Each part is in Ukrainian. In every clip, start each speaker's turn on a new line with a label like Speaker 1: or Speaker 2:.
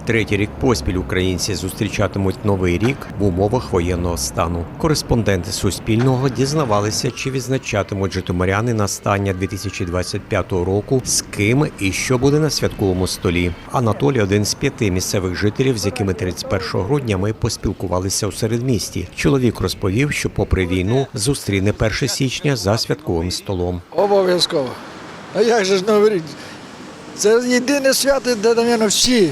Speaker 1: Третій рік поспіль українці зустрічатимуть Новий рік в умовах воєнного стану. Кореспонденти Суспільного дізнавалися, чи відзначатимуть житомиряни настання 2025 року, з ким і що буде на святковому столі. Анатолій – один з 5 місцевих жителів, з якими 31 грудня ми поспілкувалися у середмісті. Чоловік розповів, що попри війну зустріне 1 січня за святковим столом.
Speaker 2: Обов'язково. А як же ж Новий рік? Це єдине свято, де, мабуть, всі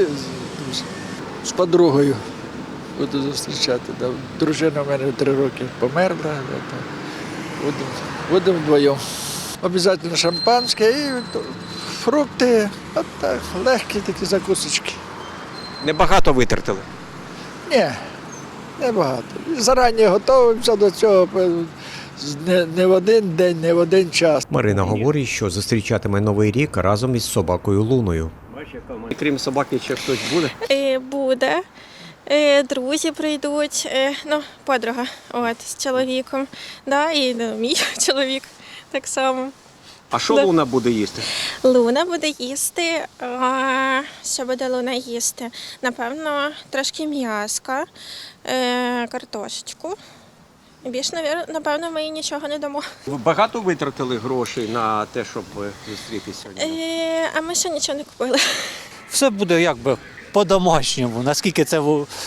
Speaker 2: з подругою буду зустрічати. Дружина в мене 3 роки померла, будемо вдвоєм. Обов'язково шампанське і фрукти, от так, легкі такі закусочки.
Speaker 1: Небагато витратили?
Speaker 2: Ні, небагато. Зарані готуємося до цього. Не в один день, не в один час.
Speaker 1: Марина говорить, що зустрічатиме Новий рік разом із собакою Луною. Крім собаки, ще хтось буде?
Speaker 3: Буде. Друзі прийдуть, подруга з чоловіком, і мій чоловік так само.
Speaker 1: А що Луна буде їсти?
Speaker 3: Луна буде їсти, що буде Луна їсти? Напевно, трошки м'яска, картошечку. Більше, напевно, ми їй нічого не дамо.
Speaker 1: Ви багато витратили грошей на те, щоб зустрітися?
Speaker 3: А ми ще нічого не купили.
Speaker 4: Все буде якби по-домашньому, наскільки це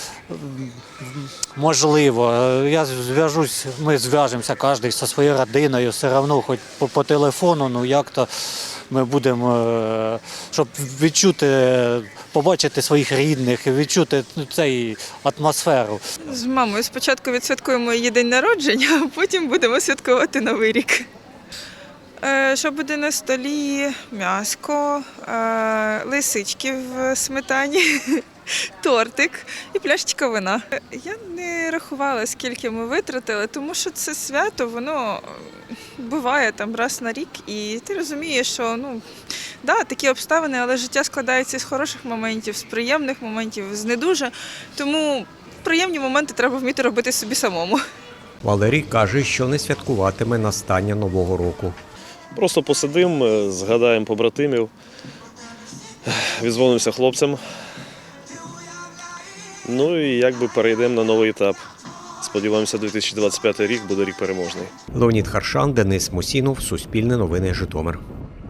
Speaker 4: можливо. Ми зв'яжемося кожен зі своєю родиною, все одно, хоч по телефону, як-то ми будемо, щоб відчути, побачити своїх рідних, відчути цю атмосферу.
Speaker 5: З мамою спочатку відсвяткуємо її день народження, а потім будемо святкувати Новий рік. Що буде на столі? М'яско, лисички в сметані, тортик і пляшечка вина. Я не рахувала, скільки ми витратили, тому що це свято, воно буває там раз на рік, і ти розумієш, що такі обставини, але життя складається з хороших моментів, з приємних моментів, з не дуже, тому приємні моменти треба вміти робити собі самому.
Speaker 1: Валерій каже, що не святкуватиме настання Нового року.
Speaker 6: Просто посидимо, згадаємо побратимів, віддзвонимося хлопцям. І перейдемо на новий етап. Сподіваємося, 2025 рік буде рік переможний.
Speaker 1: Леонід Харшан, Денис Мусінов, Суспільне новини, Житомир.